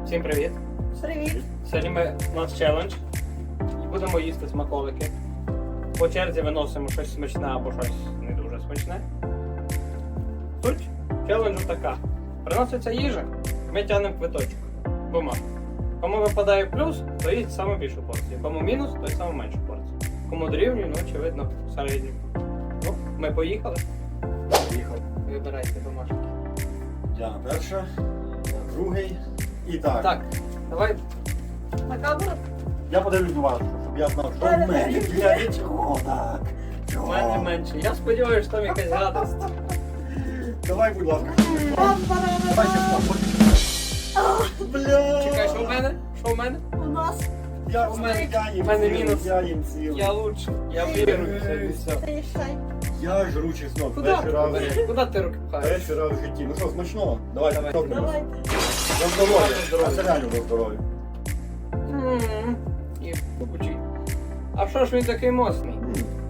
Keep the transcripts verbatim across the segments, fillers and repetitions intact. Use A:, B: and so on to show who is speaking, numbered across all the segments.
A: Всім привіт!
B: Привіт!
A: Сьогодні ми, у нас челендж і будемо їсти смаколики. По черзі виносимо щось смачне або щось не дуже смачне. Суть челенджу така. Приноситься їжа, ми тягнемо квиточок. Бумаг. Кому випадає плюс, то їсть саме більшу порцію. Кому мінус, то й саме меншу порцію. Кому дорівнює, ну очевидно, середню. Ну, ми поїхали.
C: Поїхав.
A: Вибирайте бумажки.
C: Я на перше, я другий. І так.
A: Так, давай.
B: На камеру?
C: Я подивлюсь на вас, щоб я знав, що в мене. Для чого так?
A: У
C: Чого?
A: мене менше. Я сподіваюся, що там якась гадость.
C: Давай, будь ласка.
B: Бам, барана.
C: Давай ще Бля.
A: Чекай, що в мене? Що в мене?
B: У нас
C: Я
A: У мене-
C: я їм
A: у мене
C: цілий,
A: мінус.
C: Я їм цілий.
A: Я лучше. Я віруюся і все.
B: ти шай.
C: Я жру чеснок.
A: Куди ти
C: Перший раз.
A: береш? Куди ти руки пхаєш?
C: Перший раз в житті. Ну що, смачного? Давай,
A: Давай.
C: торкнемось.
B: Давайте.
C: За здоров'я.
A: За здоров'я.
C: А це реально за здоров'я.
A: М, І покучи. А що ж він такий моцний?
C: М.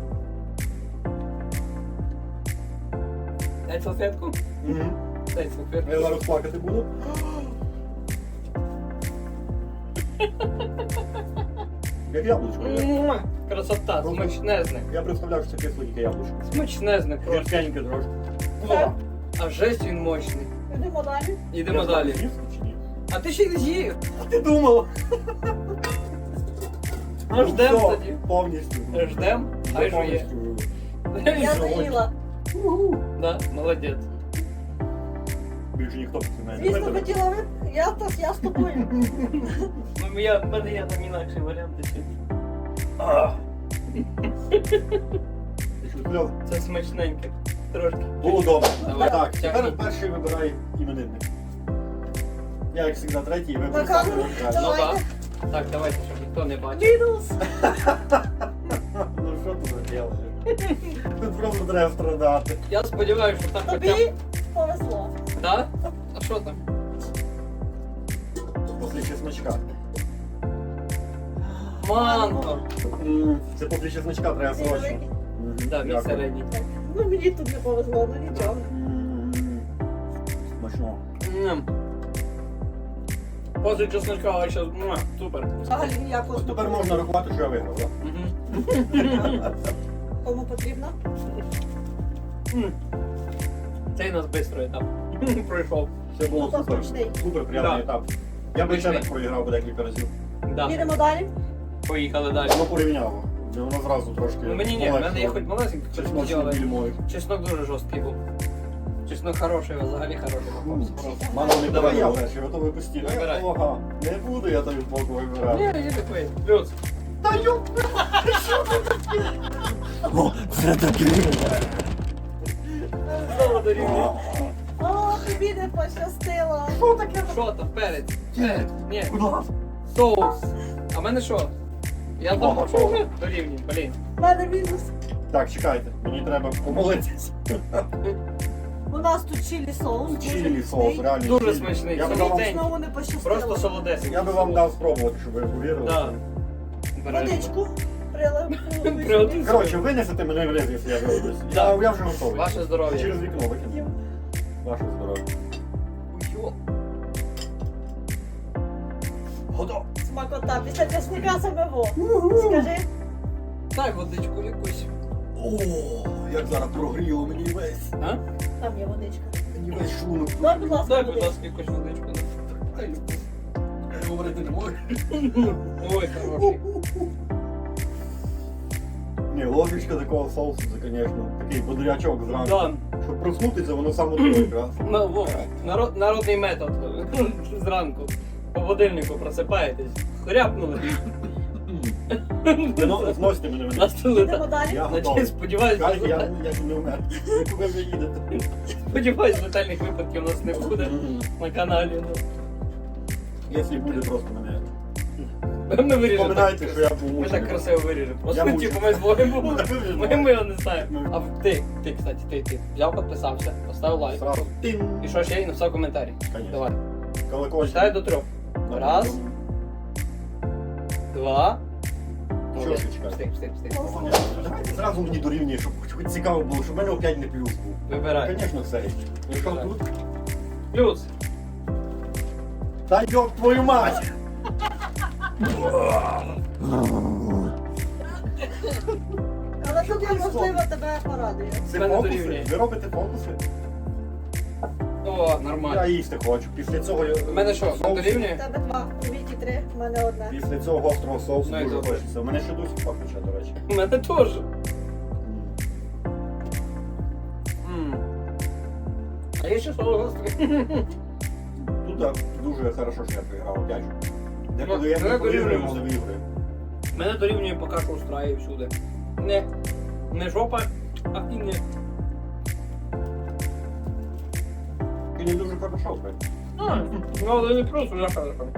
A: Дай салфетку?
C: Мгм.
A: Дай салфетку.
C: Я зараз плакати буду. Як яблучко. я.
A: Муа! Красота, смачнезне.
C: Я представляв, що це кисленьке яблучко.
A: Смачнезне просто.
C: Гірченьке трошки.
B: Так.
A: А жесть він мощний.
B: Йдемо далі.
A: Йдемо
C: Я
A: далі.
C: з'їв чи ні?
A: А ти ще й не з'їв.
C: А ти думала?
A: Ну ждем
C: Все,
A: тоді.
C: Повністю.
A: Ждем, хай жує.
C: Повністю.
B: Я
C: Сьогодні.
B: заїла.
A: Да, молодець.
C: Більше ніхто не
B: Звісно,
C: знає.
B: хотіла ви. Я, то, я з тобою.
A: Ну, я, в мене є там інакший варіант. ще.
C: Ти що, кльов?
A: Це смачненьке. Трошки.
C: Було добре.
A: Давай,
C: Так,
A: тягни.
C: тепер перший вибирає іменинник. Я, як завжди, третій,
B: На
C: виберу
B: камеру?
C: саме краще.
A: Ну
B: Давайте.
A: так. Так, давайте, щоб ніхто не бачив.
B: Мінус.
C: Ну що ти робиш? Тут просто треба страдати.
A: Я сподіваюся, що там хоча б...
B: Тобі повезло.
A: Да? А що там?
C: Після чесночка.
A: Манго.
C: М, Це після чесночка треба
B: Ти
C: срочно.
B: великий.
C: Мгм,
A: Да, мій
C: дякую.
A: середній.
B: Ну мені тут не повезло, ну нічого.
C: М, Смачно.
A: М. После чесночка, а ще... Муа, супер.
B: Взагалі ніякого
C: Ось тепер
B: смаку.
C: можна рахувати, що я виграв, так?
A: Мгм.
B: Кому потрібно?
A: М. Цей у нас швидкий етап. Пройшов.
C: Це було
B: Ну, то
C: супер.
B: смачний.
C: Супер приємний
A: Да.
C: етап. Я би ще
A: Смачний.
C: так проіграв би декілька разів.
A: Да.
B: Їдемо далі.
A: Поїхали далі.
C: Воно порівняло. І Воно зразу трошки.
A: Ну мені ні, в мене є хоч малесенький, хоч
C: Чесночний
A: але
C: біль мой.
A: чеснок дуже жорсткий був. Чеснок хороший, взагалі хороший попався. просто.
C: Мама, не
A: Давай.
C: давай я перший, готовий постійно.
A: Вибирай.
C: Ага, не буду я тобі боку вибирати.
A: Ні, є такий. Плюс.
C: Та ю... О, це таке.
A: Знову дорівнює.
B: О, тобі не пощастило.
C: Що таке?
A: Що там? Перець? Перець. Ні.
C: Будь ласка.
A: Соус. А в мене що? Я
C: Ага.
A: думав, що вже дорівнює, блін.
B: У мене мінус.
C: Так, чекайте, мені треба помолитися.
B: У нас тут чилі соус. дуже
C: Чилі
B: міцний.
C: соус, реально.
A: Дуже
C: чилі.
A: смачний,
C: Я би
A: солодкий.
C: вам,
B: Мені знову не пощастило.
A: Просто солодесик.
C: я би вам дав спробувати, щоб ви повірили.
A: Да.
B: Водичку. Прилив.
A: Прилив.
C: Коротше, винесете мене в ліс, якщо я вироблюсь.
A: Да.
C: Я, я вже готовий.
A: Ваше здоров'я.
C: Через вікно викину. Ваше здоров'я.
A: Йо.
C: Готов.
B: Смакота. Після чесника саме во. Скажи.
A: Дай водичку якусь.
C: О, як зараз прогріло мені весь.
A: А?
B: Там є водичка.
C: Мені весь шлунок.
B: Дай, будь ласка,
A: Дай, будь
B: водичку.
A: ласка, якусь водичку.
C: Ай, я говорити не можу.
A: Ой, хороший.
C: Ні, ложечка такого соусу, це, звісно, такий бодрячок зранку.
A: Да.
C: Щоб проснутися, воно саме того якраз.
A: Ну, во, народ, народний метод. Зранку. По будильнику просипаєтесь. Хряпнули.
C: Ну, зносите мене мене.
A: Настили
B: Їдемо
A: так.
B: далі.
C: Я
A: Значить,
C: готовий.
A: сподіваюсь,
C: Кайф, я, я не вмер. Куди ви їдете?
A: сподіваюсь, летальних випадків у нас не буде на каналі.
C: Якщо буде, просто мене.
A: Ну. Ми виріжемо.
C: Пам'ятайте, що я був
A: Ми
C: мучений.
A: так красиво виріжемо.
C: Я
A: Просто
C: мучу.
A: типу ми з Богом були.
C: Виріжемо.
A: Ми, ми його не знаємо. А ти, ти, кстати, ти, ти. Взяв, підписався, поставив лайк.
C: Сразу. Тин.
A: І що ще? І написав коментарі.
C: Конечно.
A: Давай.
C: Колокольчик.
A: Читай до трьох. Раз, два.
C: Що
A: Молодець.
C: ти чекаєш?
A: Встиг, встиг, встиг.
C: Давайте зразу мені дорівнює, щоб хоч хоч цікаво було, щоб в мене опять не плюс був.
A: Вибирай.
C: Звісно, цей. Ну що
A: Вибирай.
C: тут?
A: Плюс.
C: Та йоб твою мать!
B: Але тут я, можливо, тебе порадую.
C: Це
A: Мене
C: фокуси?
A: дорівнює.
C: Ви робите фокуси?
A: О,
C: Я
A: нормально.
C: їсти хочу. Після цього я...
A: У мене що,
C: соусу-
B: У
A: дорівнює?
B: тебе два, тобі ті три, в мене одне.
C: Після цього гострого соусу
A: Ну, і
C: дуже
A: добре.
C: хочеться. У мене ще досі пахнуча, до речі.
A: У мене теж. М. А є ще соло гострий.
C: Тут так, дуже хорошо, що я програв, дядю. Деколи я
A: Ну,
C: не
A: я
C: повірю,
A: дорівнюю.
C: але виграю.
A: Мене дорівнює поки що устраює всюди. Не, не жопа, а і не.
C: Ти не дуже хорошо, в принципі.
A: А, ну але не плюс уже хорошо.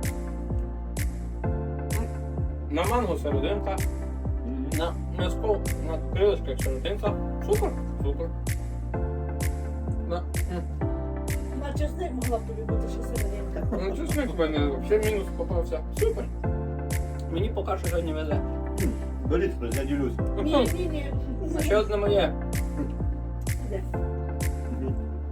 A: На манго серединка, на м'язко, на крилишках серединка. Супер, супер. На, м.
B: На чесник могла б тобі бути ще серединка.
A: Ну чесник в мене взагалі мінус попався. Супер. Мені поки що сьогодні везе.
C: Беріть, хтось, я ділюсь.
B: Ні, ні, ні.
A: А ще одне моє.
B: Де?
C: Мгм.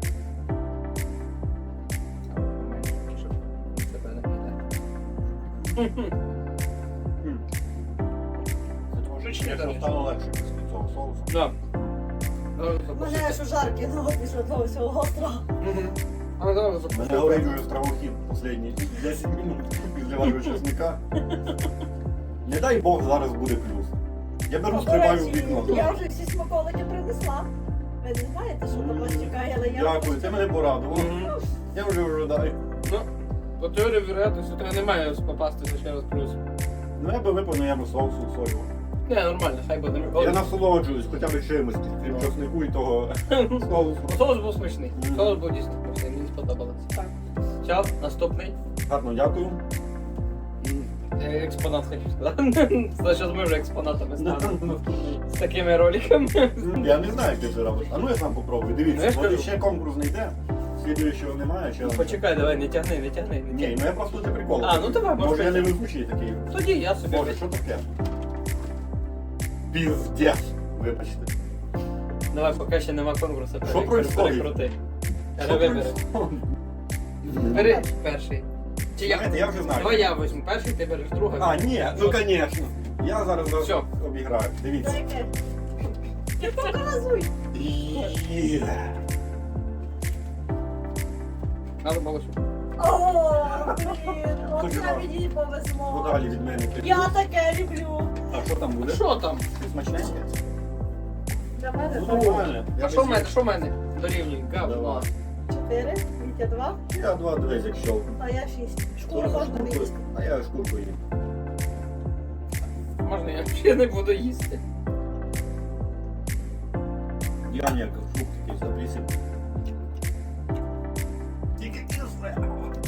A: Тебе не піде.
C: М.
A: Трошечки,
C: Якщо
A: конечно.
C: стало легше після цього соусу.
A: Да.
B: У мене аж у жарки ноги після того всього гострого.
A: Мгм. А зараз
C: Мене
A: запустив.
C: горить вже стравохід останні десять минут після вашого чесника. Не дай Бог зараз буде плюс. Я беру,
B: До
C: стрибаю в
B: речі,
C: вікно.
B: я вже всі смаколики принесла. Ви не знаєте, що там вас чекає, але я...
C: Дякую, ти мене порадував.
A: Мгм.
C: Я вже ожидаю.
A: Ну, по теорії вероятності у тебе немає попастися ще раз плюс.
C: Ну я би випив, я би соусу солю.
A: Не, нормально, хай буде.
C: Я насолоджуюсь хоча б чимось, крім чеснику і того соусу.
A: Соус був смачний. Соус був дійсно смачний, мені сподобалося.
B: Так.
A: Все, наступний.
C: Гарно, дякую.
A: Е, Експонат хочу сказати. Зараз ми вже експонатами станемо. З такими роликами.
C: Я не знаю, як ти це робиш. А ну я сам попробую.
A: Ну, я
C: Дивіться,
A: ж
C: от
A: кажу.
C: ще конкурс не йде. Слідуючого немає, ще.
A: Почекай, давай, не тягни, не тягни. Не
C: Ні,
A: тягни.
C: ну я просто для приколу.
A: А, ну давай,
C: Може
A: може,
C: я не
A: ти-
C: везучий такий.
A: Тоді я собі.
C: Боже, що таке? Піздець. Вибачте.
A: Давай, поки ще нема конкурсу.
C: Що
A: пере-
C: происходить?
A: перекрути.
C: Що
A: Але вибери.
C: происходить?
A: Бери перший. Чи я?
C: Знаєте, я вже знаю.
A: Давай я візьму перший, ти береш другий.
C: А, ні, ну звісно. Я зараз вас
A: Всьо.
C: обіграю. Дивіться.
B: Дайте. Ти показуй.
C: Є.
A: Надо було щоб.
B: О, блін,
C: Хочу
B: оце
C: вам.
B: мені повезло.
C: Подалі від мене.
B: Я таке люблю.
C: А що там буде?
A: Що там?
C: Щось смачненьке?
B: Для мене
C: Ну,
B: так.
C: нормально. Я
A: А що в
C: без-
A: мене? Що в мене? Дорівнює. Говно.
C: Давай.
B: Чотири, Вітя два,
C: Я два дивись, як щелку.
B: а я шість. Шкуру можна не їсти.
C: А я шкурку їм.
A: Можна я ще не буду їсти.
C: Я ніяк фрукт такий записів. Тільки кисле.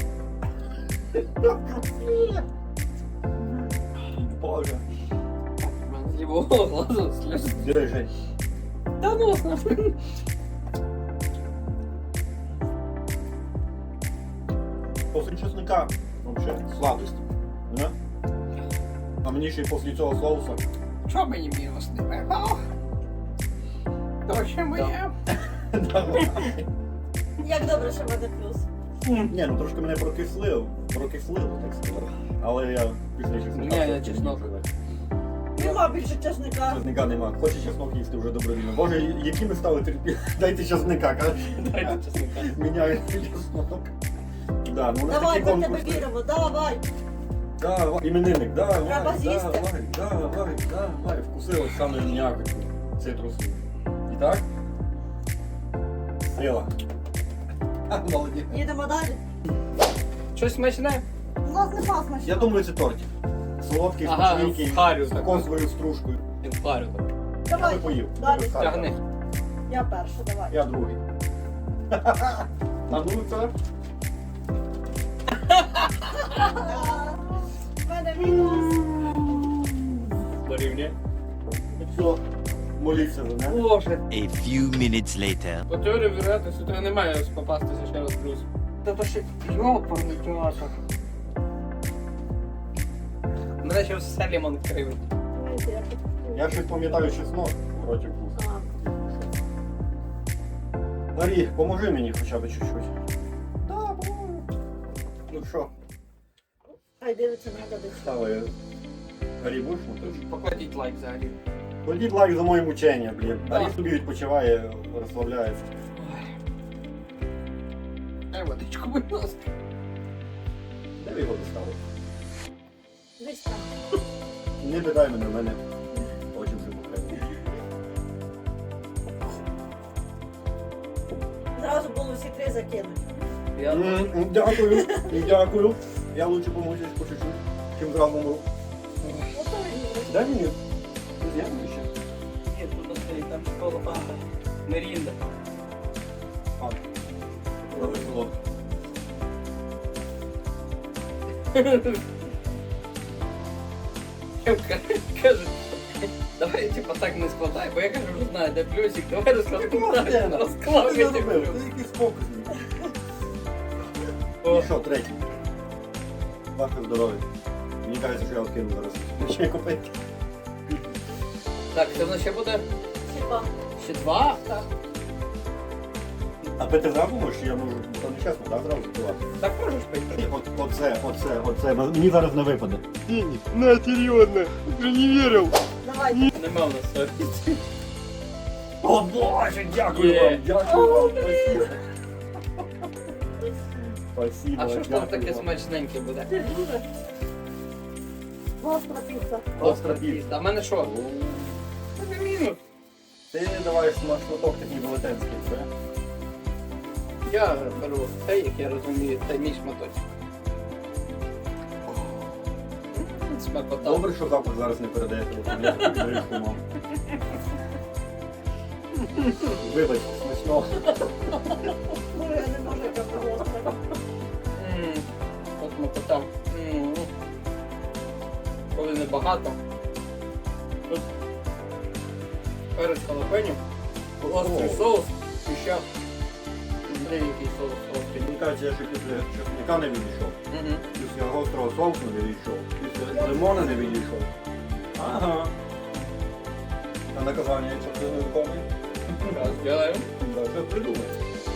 C: Боже.
A: У мене з лівого глазу сльози.
C: Диви, Жень.
A: Та ну нахуй.
C: После чесника вообще сладость. Да? А мені ще й після цього соуса.
A: Що мені мінус не випав? То ще моє.
B: Як добре, що в мене плюс.
C: Ні, ну трошки мене прокислило, прокислило, так сказати. Але я після чесника.
A: Ні, я
C: все-таки
A: чеснок.
C: не вживаю.
B: Нема більше чесника.
C: Чесника нема. Хоче чеснок їсти вже добровільно. Боже, які ми стали терпі. Дайте чесника, кажеш.
A: Дайте чесника.
C: Міняють чеснок. Да, ну, у нас
B: Давай,
C: такі
B: ми в тебе
C: конкурси.
B: віримо, давай.
C: Давай, іменинник, давай,
B: Треба з'їсти.
C: давай, давай, давай. Вкусилось саме м'якоть цитрусу. І так? Сила. Ха, молодець.
B: Їдемо далі.
A: Щось смачне?
B: У нас не смачно.
C: Я думаю, це тортик. Солодкий,
A: Ага,
C: смачненький,
A: в харю
C: з
A: так.
C: консовою стружкою.
A: Я впарю так.
C: Я
B: Давай,
C: би поїв.
B: далі.
C: Без харю.
A: Тягни.
B: Я перша, давай.
C: Я другий. А ну це?
B: В мене мінус.
A: Дорівнює.
C: Все. Моліться за мене.
A: Боже.
D: A few minutes later.
A: По теорії вероятності у тебе немає попастися ще раз плюс. Та то ще йопарний театр. Мене ще все лімон кривить.
B: Дивіться, я тут-
C: Я щось пам'ятаю чеснок в роті вкус.
B: А,
C: Марі, поможи мені хоча б чуть-чуть. Да, поможу. Ну що,
B: Хай дивиться на дадуть.
C: Ставай. Гарі будеш мотиш?
A: Покладіть лайк взагалі.
C: Кладіть лайк за моє мучення, блін.
A: Так.
C: Гарі собі відпочиває, розслабляється.
A: Ай, водичку, будь ласка.
C: Де ви його доставили?
B: Десь там.
C: Не питай мене, в мене очі вже покрили.
B: Зразу було всі три закинути.
A: Я
C: М, Дякую, дякую. Я лучше помучусь по чуть-чуть, чим зразу умру.
B: Ото він.
C: Дай мені. Я ще.
A: Ні, тут стоїть, там школа. А, Мерінда.
C: А, добре, солодко.
A: Каже, давай типа так не складай, бо я кажу, вже знаю, де плюсик, давай розкладемо так,
C: Ти
A: розклав
C: не
A: я ті
C: робив,
A: плюс.
C: ти якийсь фокусний.
A: О,
C: І що, третій? Ваше здоров'я. Мені кажеться, що я откину зараз. Ще купити.
A: Так, це в нас ще буде
B: Хіба?
A: ще два?
B: Так.
C: А пити зразу можеш, я можу, то не чесно, так, зразу запивати.
A: Так можеш пити?
C: От, оце, оце, оце, мені зараз не випаде.
E: На, серьезно, уже не верил.
B: Давайте.
A: Нема в нас совісті.
C: О боже, дякую
A: Є.
C: вам, дякую вам, спасибо. Спасибо,
A: А що ж там
C: дякую
A: таке
C: вам.
A: смачненьке буде?
B: Ти дуже. Гостра піца.
C: Остра піца.
A: А в мене що? Це не мінус.
C: Ти давай на шматок такий велетенський, це?
A: Я беру цей, як я розумію, це мій шматочок. М, Смакота.
C: Добре, що запах зараз не передаєте. Я таку горішку мав. Вибач, смачно.
B: Ну, я не можу яка гостра.
A: М, От смакота. М. Коли небагато. Тут перець халапеньо, острий
C: О.
A: соус і ще деякий соус острий.
C: Мені кажеться, я ще після чесника не відійшов.
A: Мгм.
C: Після гострого соусу не відійшов. Після лимона не відійшов. Ага. А наказання, якщо ти не виконуєш?
A: Зараз зробимо.
C: Да, що придумай.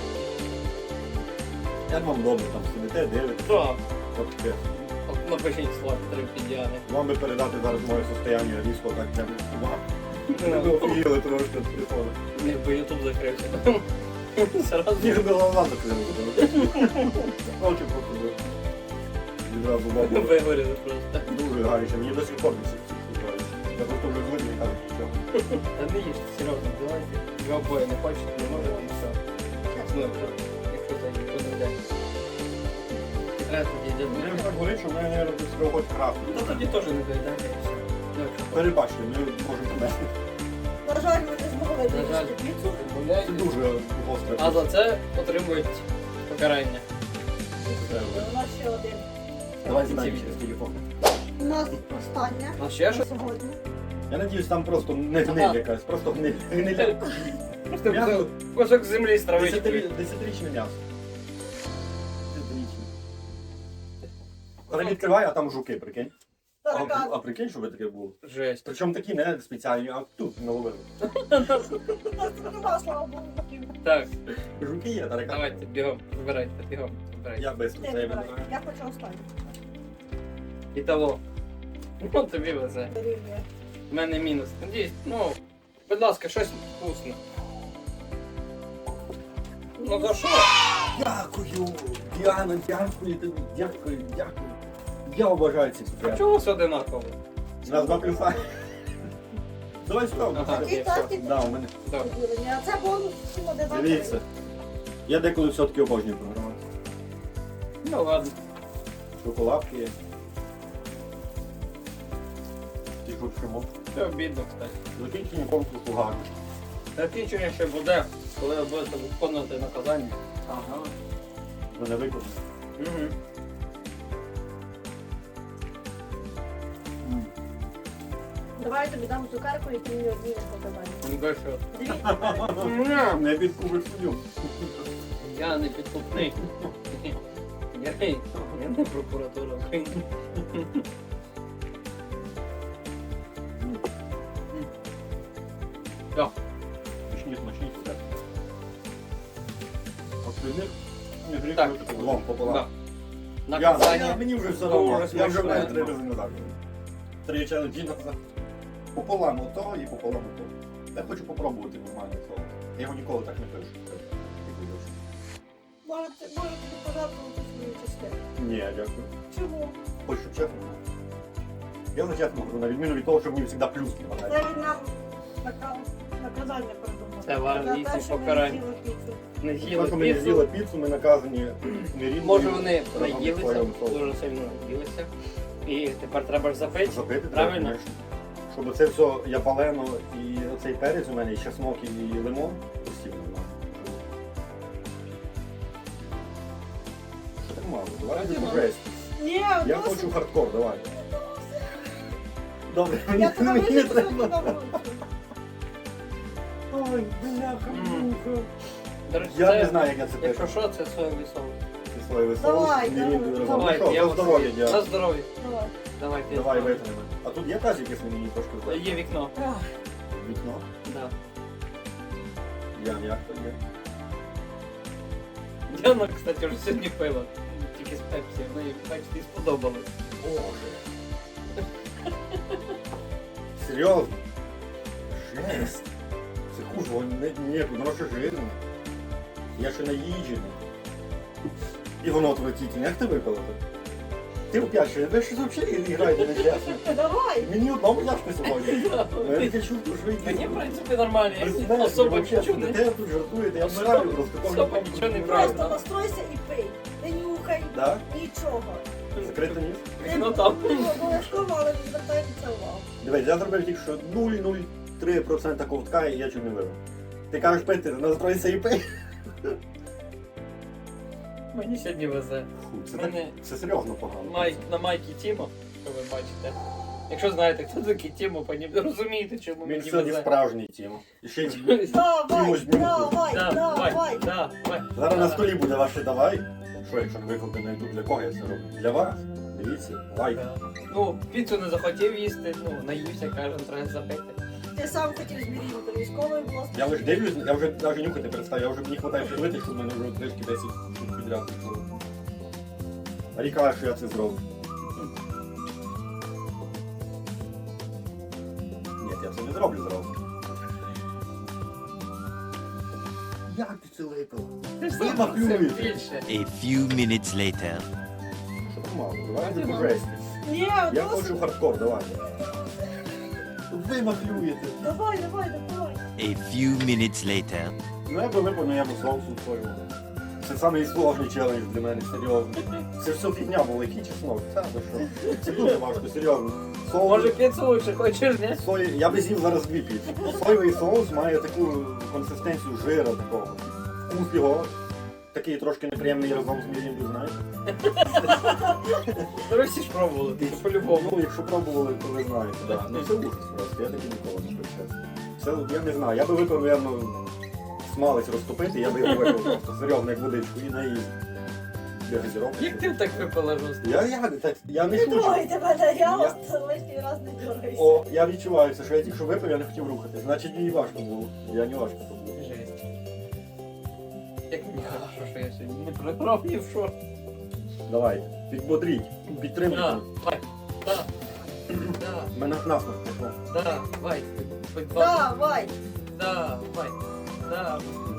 C: Як вам добре там сидите, дивитесь?
A: Так.
C: От таке.
A: От напишіть слайд три підіани.
C: Вам би передати зараз моє состояние різко, так прям увага. Ви офігіли трошки від телефону.
A: Ні, бо Ютуб закрився. Зразу.
C: Ні, до голова закрили. Очі просто ви. Відразу бабу.
A: Вигоріли просто.
C: Дуже гаряче, мені до сих пор не сипається. Я просто вже звик і кажу, що.
A: Та не їжте, серйозно, давайте. Ви обоє не хочете, не можете і все. Ну, якщо це ніхто не йде. Треба тоді йде.
C: Мені вже так горить, що в мене, мабуть, треба хоч красти.
A: Ну тоді теж не доїдайте і все. Ну, якщо
C: Перебачте, ми можемо помести.
B: На жаль, ми не змогли
A: На жаль.
B: доїсти піцу.
C: Це
A: відмовляєте.
C: дуже гостре.
A: А за це отримують покарання.
B: У нас ще один.
C: Давай задай через телефон.
B: У нас остання
A: А ще
B: на
A: щось?
B: сьогодні.
C: Я надіюсь, там просто не
A: Ага.
C: гниль якась, просто гниль. Гниля.
A: Просто
C: М'ясо.
A: кусок землі з травичкою.
C: Десятирі- Десятирічне м'ясо. Десятирічне. Але відкривай, а там жуки, прикинь. А,
B: Таракан.
C: а прикинь, що ви таке було?
A: Жесть.
C: Причому такі не спеціальні, а тут наловили.
B: Нема, слава Богу, таким.
A: Так,
C: Жуки є, таракани.
A: давайте, бігом, вибирайте, бігом, вибирайте.
C: Я без
B: Ти
C: це
B: вибирай.
C: вибираю.
B: Я хочу останню.
A: Італо. Ну, тобі везе.
B: Дорівнює.
A: У мене мінус. Надіюсь, ну, будь ласка, щось вкусне. Ну за що?
C: Дякую, Діана, дякую тобі, дякую, дякую. Я обожаю ці
A: А
C: цукерки.
A: чого все одинаково?
C: У нас два плюса. Давай сюди.
A: Ага.
B: Такі
A: є,
B: так,
A: все.
B: і
C: Да, у мене.
A: Добре.
B: поділення. А це бонус всім одинаковий.
C: Дивіться. Я деколи все-таки обожнюю програвати.
A: Ну ладно.
C: Шоколадки є. Ті шучимо.
A: Це обідно, кстати.
C: Закінчення конкурсу гарно.
A: Закінчення ще буде, коли ви будете виконувати наказання.
C: Ага. Мене виконано.
A: Угу.
B: Давай я тобі дам цукерку, які мені одні не подобаються.
A: Ну де що?
C: Не підкупиш суддю.
A: Я не підкупний. Я, я не прокуратура України. Так.
C: Смачні, смачні все. От від них не гріх
A: Так.
C: випити лом пополам.
A: Да.
C: Я,
A: наказання.
C: я, мені вже все
A: Дуже
C: одно. Я вже
A: смачне.
C: маю три рази назад. Три челенджі назад. Пополам ото і пополам ото. Я хочу попробувати нормальне слово. Я його ніколи так не пишу.
B: Можете, можете пожартувати свою частину.
C: Ні, дякую.
B: Чому?
C: Хочу, щоб чесно. було. Я за чесно говорю, на відміну від того, що мені завжди плюс
B: Це
C: кидає.
B: він нам така наказання придумав.
A: Це вам
B: За те,
A: їхнє
B: що ми
A: покарання.
B: їли піцу.
A: Не
C: Те,
A: з'їли
C: що ми не
A: піцу.
C: з'їли піцу, ми наказані нерівною.
A: Може вони
C: разом з
A: наїлися,
C: своїм соусом.
A: дуже сильно наїлися. І тепер треба ж запити.
C: Запити треба,
A: Правильно?
C: конечно. Щоб це все япалено і оцей перець у мене, і чеснок, і лимон постійно. Що так мало? Давай
A: Раді
C: будемо
A: мало.
C: жесть.
B: Ні,
C: Я
B: досить.
C: хочу хардкор, давай. Добре,
B: Я
C: мені
B: тебе
C: мені не
B: вижу
C: треба.
B: на вулицю.
C: Ой, бляха,
A: М.
C: муха.
A: До речі,
C: Я
A: це,
C: не знаю, як я це
A: якщо
C: пишу.
A: що, це соєвий соус.
C: Соєвий соус,
B: Давай,
C: мірінду
B: давай.
C: разом. Ну
A: Давайте,
C: що,
A: я
C: за
A: вас-
C: здоров'я,
A: За
C: дякую.
A: здоров'я.
B: Давай.
A: Давай, ти.
C: Давай витримемо. А тут є тазик, якщо мені трошки здати?
A: Є вікно.
B: Ах,
C: Вікно?
A: Да.
C: Я як то є.
A: Діана, кстати, вже сьогодні пила. Тільки з пепсі. В неї, бачите, і сподобалось.
C: Боже. Серйозно? Жесть. Це хуже, воно не, ні, воно ще жирне. Я ще наїджений. І воно отвратительне. Як ти випила це? Ти опять ще, ви щось взагалі граєте нечесно.
B: Давай.
C: Мені одному тяжко сьогодні. Я таке чувство, що ви
A: Мені, в принципі, нормально.
C: Ви
A: Я
C: знаєте,
A: особо
C: ви
A: нічого
C: чесно,
A: не...
C: де ви тут жартуєте, я
A: Особо-
C: вмираю просто. кожен
A: особо
C: день
A: нічого не
C: тут
A: брали.
B: Просто настройся і пий. Не нюхай.
C: Да?
B: Нічого.
C: Закрито ніс?
A: Вікно там.
B: Обов'язково, але не звертайте це увагу.
C: Дивись, я зробив тільки що нуль цілих нуль три відсотка ковтка і я чого не вивив. Ти кажеш пити, настройся і пий.
A: Мені сьогодні везе.
C: Фу, це,
A: Мене-
C: так, це серйозно погано.
A: Май, на майці Тімо, що ви бачите. Якщо знаєте, хто такий Тімо, пані, розумієте, чому
C: Він
A: мені
C: сьогодні
A: везе.
C: справжній тім. І ще й
B: Давай,
C: Чимось днюху.
B: давай,
A: Давай,
B: давай.
A: давай.
C: зараз на столі буде ваше давай. Що, якщо не виклади на ютуб, для кого я це роблю? Для вас? Дивіться, лайк.
A: Да. Ну, піцу не захотів їсти, ну, наївся, каже, треба запити.
B: Ти сам хотів змірити до військової було.
C: Я лише дивлюсь, я вже навіть нюхати перестав, я вже мені хватає швидити, щоб в мене вже трішки десять штук підряд пішло. А Рі каже, що я це зроблю. Ні, я це не зроблю зразу. Як ти це випила?
A: Ти ж
C: Ви
A: сам
C: махлюєте.
A: просив більше.
D: A few minutes later.
C: Що там мало? Давай
A: Раді
C: не
A: мало.
C: жесті.
B: Ні,
C: Я
B: досить.
C: хочу хардкор, давай. Ви махлюєте.
B: Давай, давай, давай.
D: A few minutes later.
C: Ну я би випив, ну я би соусу свою. Це самий сложний челендж для мене, серйозно. Це ж все фігня була, який чеснок. Це ви що? Це дуже важко, серйозно. Соус...
A: Може піцу лучше хочеш, ні?
C: Сої... Я би з'їв зараз дві піци. Соєвий соус має таку консистенцію жира такого. Вкус його такий трошки неприємний разом з міріндою, знаєш?
A: Ну ви всі ж пробували, ти по-любому.
C: Ну, якщо пробували, то ви знаєте, да. Ну це ужас просто, я таки ніколи не пив, чесно. Це, я не знаю, я би випив, напевно, смалець розтопити, я би його випив просто серйозно, як водичку, і наїзд. Для газіровки.
A: Як ти так випила жорстко?
C: Я, я, так, я не
B: Не
C: шучу.
B: трогайте мене, я
C: Я-
B: вас лишній раз не трогаюся.
C: О, я відчуваю це, що я тільки що випив, я не хотів рухати. Значить, мені важко було. Я не важко то було.
A: Жесть. Як мені хорошо, що я сьогодні не програв ні в що.
C: Давай, підбодріть, підтримуйте.
A: Да,
C: мене.
A: давай. Да. Да,
C: Мене насміх пішло.
A: да, давай. Хоть два.
B: Давай.
A: Да, давай. Да.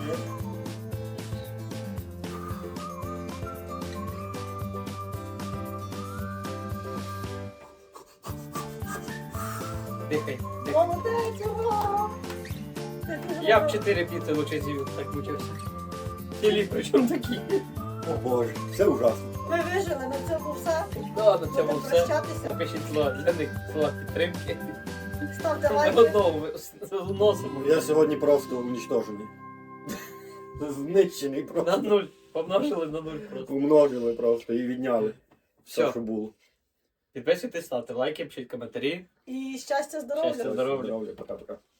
A: Дихай, дихай.
B: Молодець, ура! Ти дуже
A: Я б
B: добре.
A: чотири піци лучше з'їв, так мучився. Філіп, причому такі.
C: О боже, все ужасно.
B: Ми вижили, на цьому все.
A: Да, на цьому
B: Будемо
A: все.
B: прощатися.
A: Напишіть слова для них, слова підтримки.
B: Ставте
A: Ми
B: лайки.
A: одного носимо.
C: Я сьогодні просто унічтожений. Знищений
A: На
C: просто.
A: нуль. Помножили на нуль просто.
C: Умножили просто і відняли все,
A: Все.
C: що було.
A: Підписуйтесь, ставте лайки, пишіть коментарі.
B: І щастя, здоров'я.
A: Щастя, здоров'я.
C: Здоров'я, пока-пока.